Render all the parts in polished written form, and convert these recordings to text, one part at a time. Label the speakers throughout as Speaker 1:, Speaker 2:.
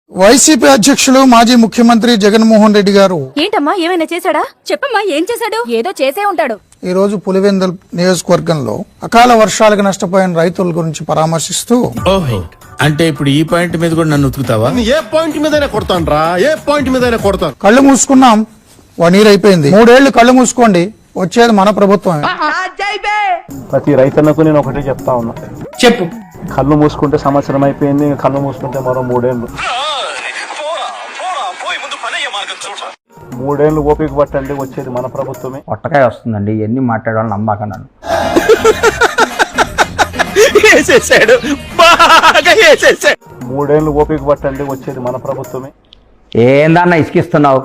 Speaker 1: YCP అధ్యక్షులు మాజీ ముఖ్యమంత్రి జగన్మోహన్ రెడ్డి గారు
Speaker 2: ఏంటమ్మా ఏమైనా చేశాడా? చెప్పమ్మా ఏం చేశాడు? ఏదో చేసే ఉంటాడు.
Speaker 1: ఈ రోజు పులివెందుల నియోజకవర్గంలో అకాల వర్షాలకు నష్టపోయిన రైతుల గురించి పరామర్శిస్తూ,
Speaker 3: ఓహో అంటే ఇప్పుడు ఈ పాయింట్ మీద కూడా నన్ను ఉతుకుతావా?
Speaker 4: ఏ పాయింట్ మీదైనా కొడతాను రా, ఏ పాయింట్ మీదైనా కొడతాను.
Speaker 1: కళ్ళు మూసుకున్నాం, 1 year అయిపోయింది. 3 ఏళ్లు కళ్ళు మూసుకోండి, వచ్చేది మన ప్రభుత్వమే.
Speaker 5: ప్రతి రైతన్నకు నేను ఒకటే చెప్తా ఉన్నా,
Speaker 3: చెప్పు.
Speaker 5: కళ్ళు మూసుకుంటే సంవత్సరం అయిపోయింది, ఇంకా కళ్ళు మూసుకుంటే మరో 3 ఏళ్ళు. 3 ఏళ్ళు ఓపిక పట్టండి, వచ్చేది మన ప్రభుత్వమే.
Speaker 6: ఒట్టకాయ వస్తుందండి, ఎన్ని మాట్లాడాలని నమ్మకన్నాను.
Speaker 3: వేసేసాడు, బాగా వేసేసాడు.
Speaker 5: 3 ఏళ్ళు ఓపిక పట్టండి, వచ్చేది మన ప్రభుత్వమే.
Speaker 6: ఏందన్న ఇసుకిస్తున్నావు?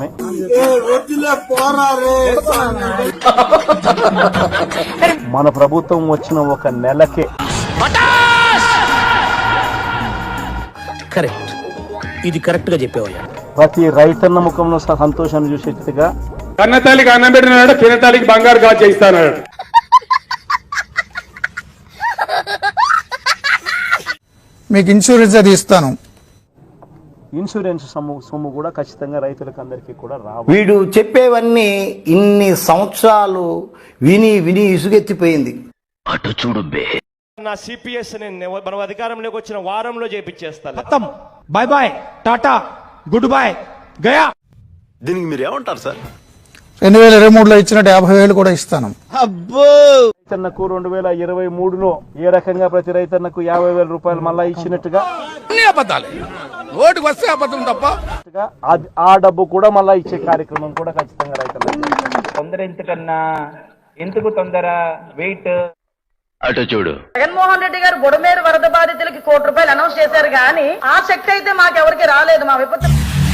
Speaker 5: మన ప్రభుత్వం వచ్చిన 1 నెలకే
Speaker 3: కరెక్ట్, ఇది కరెక్ట్ గా చెప్పేవయ్యా.
Speaker 5: ప్రతి రైతన్న ముఖంలో సంతోషాన్ని చూసేట్టుగా
Speaker 7: కన్నతల్లికి అన్నం పెట్టినాడు, చిన్నతల్లికి బంగారు గాజు చేయిస్తాడు.
Speaker 1: మీకు ఇన్సూరెన్స్ అది ఇస్తాను.
Speaker 5: ఇన్సూరెన్స్ సొమ్ము కూడా ఖచ్చితంగా రైతులకు అందరికీ కూడా రావు.
Speaker 8: వీడు చెప్పేవన్నీ ఇన్ని సంవత్సరాలు విని విని ఇసుగెత్తిపోయింది.
Speaker 3: అటు చూడు బే.
Speaker 9: నా సిపిఎస్ మనం అధికారంలోకి వచ్చిన వారంలో చేపించేస్తాను.
Speaker 7: Bye bye, tata, good bye, గయా.
Speaker 4: దీనికి మీరు ఏమంటారు సార్?
Speaker 1: 2023లో ఇచ్చినట్టు 50,000 కూడా ఇస్తాను.
Speaker 5: రైతన్నకు 2023లో ఏ రకంగా ప్రతి రైతన్నకు 50,000 రూపాయలు మళ్ళా ఇచ్చినట్టుగా
Speaker 3: ఓటుకు వస్తే అబద్ధం తప్ప
Speaker 5: ఆ డబ్బు కూడా మళ్ళా ఇచ్చే కార్యక్రమం కూడా ఖచ్చితంగా రైతులకు.
Speaker 6: తొందర ఎందుకన్నా, ఎందుకు తొందర? వెయిట్.
Speaker 3: అటు చూడు.
Speaker 10: జగన్మోహన్ రెడ్డి గారు బుడమేరు వరద బాధితులకి ₹1 కోటి అనౌన్స్ చేశారు కానీ ఆ శక్తి అయితే మాకెవరికి రాలేదు. మా విపత్తు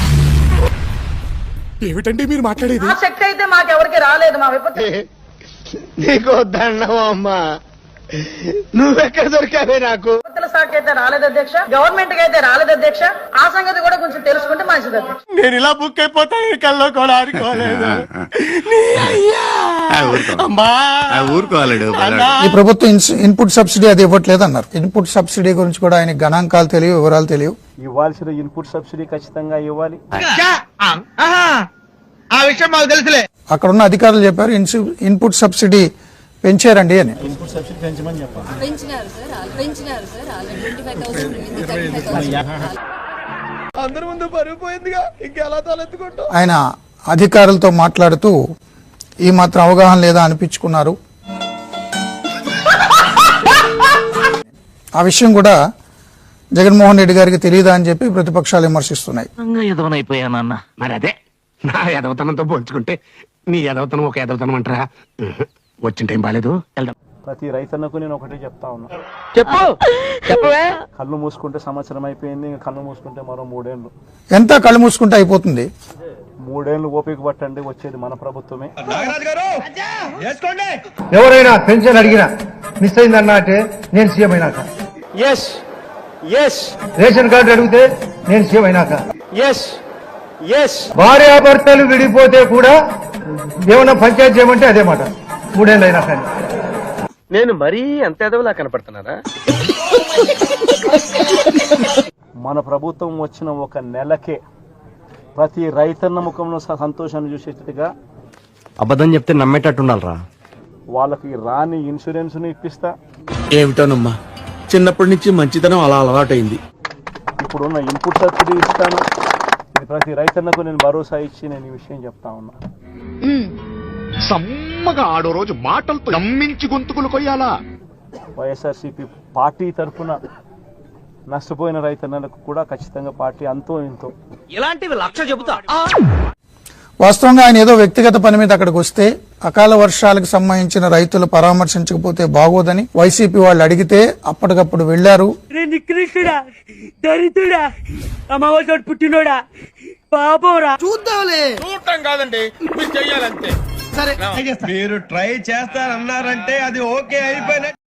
Speaker 4: ఏమిటండి మీరు మాట్లాడేది?
Speaker 10: ఆ శక్తి అయితే మాకెవరికి రాలేదు. మా విపత్తు
Speaker 4: నీకు దండమమ్మా, నువ్వెక్కడ దొరికావే నాకు?
Speaker 10: విపత్తుల శాఖ అయితే రాలేదు అధ్యక్ష, గవర్నమెంట్ కి అయితే రాలేదు అధ్యక్ష. ఆ సంగతి కూడా కొంచెం తెలుసుకుంటే మంచిది అధ్యక్ష.
Speaker 4: నేను ఇలా బుక్ అయిపోతాను, కల్లో కూడా ఆడుకోలేదు. ఊరుకోవాలడు.
Speaker 1: ఈ ప్రభుత్వం ఇన్పుట్ సబ్సిడీ అది ఇవ్వట్లేదు అన్నారు. ఇన్పుట్ సబ్సిడీ గురించి కూడా ఆయన గణాంకాలు తెలియవు, వివరాలు తెలియవు.
Speaker 5: ఇవ్వాల్సిన ఇన్పుట్ సబ్సిడీ ఖచ్చితంగా ఇవ్వాలి.
Speaker 7: ఆ విషయం మాకు తెలుసులే.
Speaker 1: అక్కడ ఉన్న అధికారులు చెప్పారు ఇన్పుట్ సబ్సిడీ పెంచారండి అని.
Speaker 5: ఇన్పుట్ సబ్సిడీ పెంచమని చెప్పాలి.
Speaker 4: అందరి ముందు పరుగు పోయిందిగా, ఇంకెలా తలెత్తుకుంటా?
Speaker 1: ఆయన అధికారులతో మాట్లాడుతూ ఈ మాత్రం అవగాహన లేదా అనిపించుకున్నారు. ఆ విషయం కూడా జగన్మోహన్ రెడ్డి గారికి తెలియదా అని చెప్పి ప్రతిపక్షాలు విమర్శిస్తున్నాయి.
Speaker 3: ఎదవనైపోయానన్న. మరి అదే నా ఎదవతనంతో పోల్చుకుంటే నీ ఎదవతనం ఒక ఎదవతనం అంటారా? వచ్చిన టైం బాలేదు.
Speaker 5: ప్రతి రైతన్నకు నేను ఒకటే చెప్తా ఉన్నా,
Speaker 3: చెప్పు. చెప్పవే.
Speaker 5: కళ్ళు మూసుకుంటే సంవత్సరం అయిపోయింది, ఇంకా కళ్ళు మూసుకుంటే మరో 3 ఏళ్ళు.
Speaker 1: ఎంత కళ్ళు మూసుకుంటే అయిపోతుంది.
Speaker 5: 3 ఏళ్ళు ఓపిక పట్టండి, వచ్చేది మన ప్రభుత్వమే.
Speaker 7: ఎవరైనా పెన్షన్ అడిగినా మిస్ అయిందన్నా అంటే నేను సీఎం అయినాక, రేషన్ కార్డు అడిగితే నేను సీఎం అయినాక, భార్యాభర్తలు విడిపోతే కూడా ఏమన్నా పంచాయతీ చేయమంటే అదే మాట 3 ఏళ్ళు అయినా కానీ.
Speaker 9: నేను మరీ అంత ఎదవలా కనపడుతున్నారా?
Speaker 5: మన ప్రభుత్వం వచ్చిన 1 నెలకే ప్రతి రైతన్న ముఖంలో సంతోషాన్ని చూసేట్టుగా
Speaker 9: అబద్ధం చెప్తే నమ్మేటట్టుండాలరా.
Speaker 5: వాళ్ళకి రాని ఇన్సూరెన్స్ ను ఇప్పిస్తా.
Speaker 3: ఏమిటోనమ్మా, చిన్నప్పటి నుంచి మంచితనం అలా అలవాటైంది.
Speaker 5: ఇప్పుడున్న ఇన్పుట్ సబ్సిడీ ఇస్తాను. ఇది ప్రతి రైతన్నకు నేను భరోసా ఇచ్చి నేను ఈ విషయం చెప్తా ఉన్నా.
Speaker 4: సమ్మగా ఆడో రోజు మాటలతో నమ్మించి గొంతుకులు కొయ్యాలా?
Speaker 5: వైఎస్ఆర్సీపీ పార్టీ తరఫున నష్టపోయిన రైతన్నలకు కూడా ఖచ్చితంగా పార్టీ అంతో ఇంతో
Speaker 9: ఇలాంటివి 1,00,000 చెబుతా.
Speaker 1: వాస్తవంగా ఆయన ఏదో వ్యక్తిగత పని మీద అక్కడికి వస్తే అకాల వర్షాలకు సంబంధించిన రైతులు పరామర్శించకపోతే బాగోదని వైసీపీ వాళ్ళు అడిగితే అప్పటికప్పుడు వెళ్లారు.
Speaker 10: నికృష్టుడా, దరిద్రుడా, అమ్మవారి పుట్టినోడా, పాపోరా.
Speaker 7: చూడటం కాదండి, మీరు చెయ్యాలంతే. సరే, మీరు ట్రై చేస్తారన్నారంటే అది ఓకే అయిపోయిన